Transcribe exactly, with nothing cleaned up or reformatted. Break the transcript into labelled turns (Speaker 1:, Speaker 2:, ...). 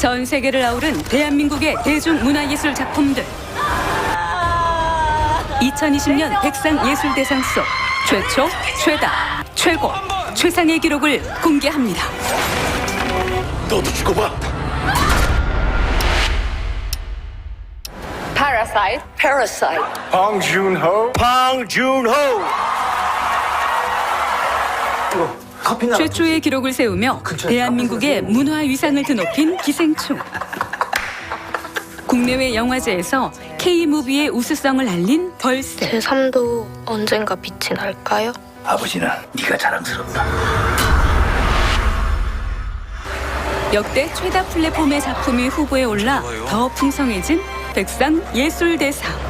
Speaker 1: 전 세계를 아우른 대한민국의 대중문화예술 작품들. 이천이십 년 백상예술대상 속 최초, 최다, 최고, 최상의 기록을 공개합니다.
Speaker 2: 너도 죽어봐.
Speaker 3: Parasite. Parasite.
Speaker 2: 방준호. 방준호. 커피나.
Speaker 1: 최초의 기록을 세우며 대한민국의 문화 위상을 드높인 기생충. 국내외 영화제에서 K무비의 우수성을 알린 벌새.
Speaker 3: 제삼도 언젠가 빛이 날까요?
Speaker 2: 아버지는 네가 자랑스럽다.
Speaker 1: 역대 최다 플랫폼의 작품이 후보에 올라 더 풍성해진 백상예술대상.